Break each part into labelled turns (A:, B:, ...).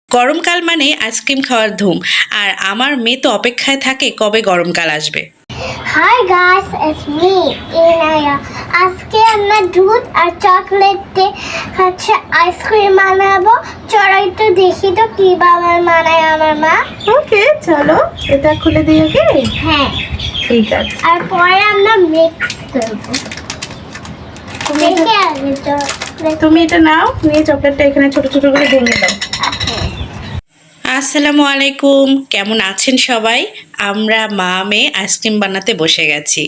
A: গরমকাল মানে আইসক্রিম খাওয়ার ধুম। আর আমার মেয়ে তো অপেক্ষায় থাকে কবে গরমকাল আসবে।
B: Hi guys, it's me, Inaya. আজকে আমরা দুধ আর চকলেট দিয়ে আইসক্রিম বানাবো। চলো একটু দেখি তো কিভাবে বানায় আমার মা।
C: ওকে, চলো এটা খুলে দিই। ওকে,
B: হ্যাঁ,
C: ঠিক আছে।
B: আর পরে আমরা মিক্স করবো। দেখে আগে চকলেট।
C: তুমি এটা নাও, নিয়ে চকলেটটা এখানে ছোট ছোট করে ভেঙে দাও।
A: আসসালামু আলাইকুম, কেমন আছেন সবাই? আমরা মা মেয়ে আইসক্রিম বানাতে বসে গেছি।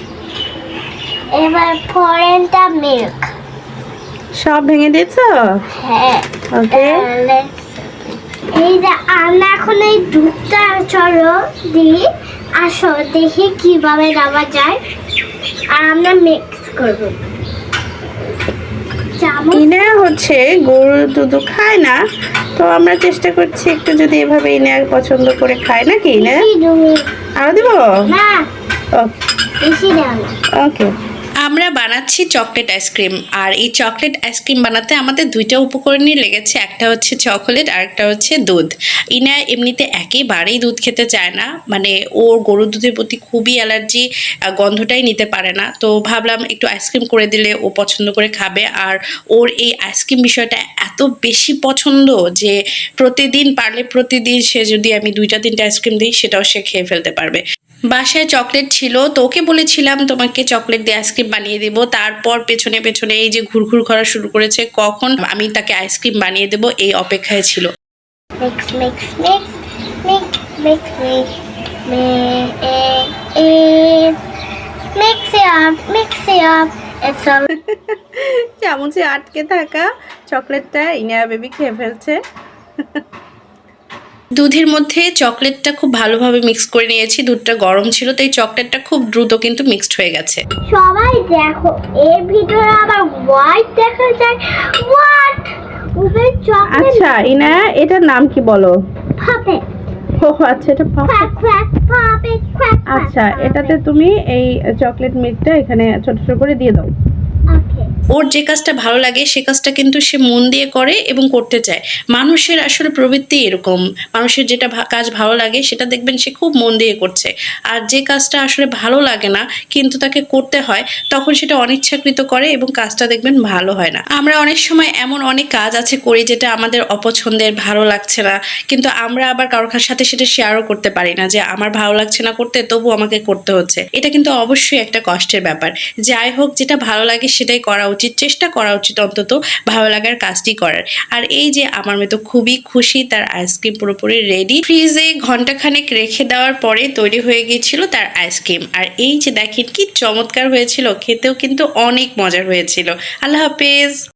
B: এবার পরেরটা মিল্ক।
C: সব ভেঙে দিয়েছো?
B: হ্যাঁ,
C: ওকে,
B: এই যে আমরা এখন এই দুধটা চলো দিই। আসো দেখি কিভাবে দেওয়া যায়। আর আমরা মিক্স করবো।
C: ইনা হচ্ছে গরুর দুধ খায় না, তো আমরা চেষ্টা করছি একটু যদি এভাবে ইনা পছন্দ করে খায় নাকি না। আরো দিব?
B: না,
C: ওকে
B: বেশি দাও না।
C: ওকে।
A: আমরা বানাচ্ছি চকলেট আইসক্রিম। আর এই চকলেট আইসক্রিম বানাতে আমাদের দুইটা উপকরণই লেগেছে, একটা হচ্ছে চকোলেট আর একটা হচ্ছে দুধ। ইনা এমনিতে একেবারেই দুধ খেতে চায় না, মানে ওর গরুর দুধের প্রতি খুবই অ্যালার্জি, গন্ধটাই নিতে পারে না। তো ভাবলাম একটু আইসক্রিম করে দিলে ও পছন্দ করে খাবে। আর ওর এই আইসক্রিম বিষয়টা এত বেশি পছন্দ যে প্রতিদিন সে যদি আমি 2-3টা আইসক্রিম দিই সেটাও সে খেয়ে ফেলতে পারবে। বাসায় চকলেট ছিল, তো ওকে বলেছিলাম তোমাকে চকলেট দিয়ে আইসক্রিম বানিয়ে দেবো। তারপর পেছনে পেছনে এই যে ঘুরঘুর করা শুরু করেছে, কখন আমি তাকে আইসক্রিম বানিয়ে দেবো এই অপেক্ষায় ছিল।
B: Mix mix mix mix mix mix mix up.
C: চামচে আটকে থাকা চকলেটটা ইনা বেবি খেয়ে ফেলছে।
A: দুধের মধ্যে চকলেটটা খুব ভালোভাবে মিক্স করে নিয়েছি। দুধটা গরম ছিল, তাই চকলেটটা খুব দ্রুত কিন্তু মিক্সড হয়ে গেছে।
B: সবাই দেখো, এর ভিতরে আবার হোয়াইট দেখা যায়। হোয়াট? উপরে চকলেট।
C: আচ্ছা ইনা, এটার নাম কি বলো?
B: পাপেট।
C: ও আচ্ছা, এটা
B: ক্র্যাক ক্র্যাক পাপেট ক্র্যাক।
C: আচ্ছা, এটাতে তুমি এই চকলেট মিল্কটা এখানে ছোট ছোট করে দিয়ে দাও।
B: ওকে।
A: ওর যে কাজটা ভালো লাগে সে কাজটা কিন্তু সে মন দিয়ে করে এবং করতে চায়। মানুষের আসলে প্রবৃত্তি এরকম, মানুষের যেটা কাজ ভালো লাগে সেটা দেখবেন সে খুব মন দিয়ে করছে। আর যে কাজটা আসলে ভালো লাগে না কিন্তু তাকে করতে হয়, তখন সেটা অনিচ্ছাকৃত করে এবং কাজটা দেখবেন ভালো হয় না। আমরা অনেক সময় এমন অনেক কাজ আছে করি যেটা আমাদের অপছন্দের, ভালো লাগছে না, কিন্তু আমরা আবার কারোর সাথে সেটা শেয়ারও করতে পারি না যে আমার ভালো লাগছে না করতে, তবু আমাকে করতে হচ্ছে। এটা কিন্তু অবশ্যই একটা কষ্টের ব্যাপার। যাই হোক, যেটা ভালো লাগে সেটাই করা উচিত, চেষ্টা করা উচিত অন্তত ভালো লাগার কাজটি করার। আর এই যে আমার মেয়ে তো খুবই খুশি, তার আইসক্রিম পুরোপুরি রেডি। ফ্রিজে ঘন্টাখানেক রেখে দেওয়ার পরে তৈরি হয়ে গিয়েছিল তার আইসক্রিম। আর এই যে দেখেন কি চমৎকার হয়েছিল, খেতেও কিন্তু অনেক মজার হয়েছিল। আল্লাহ হাফেজ।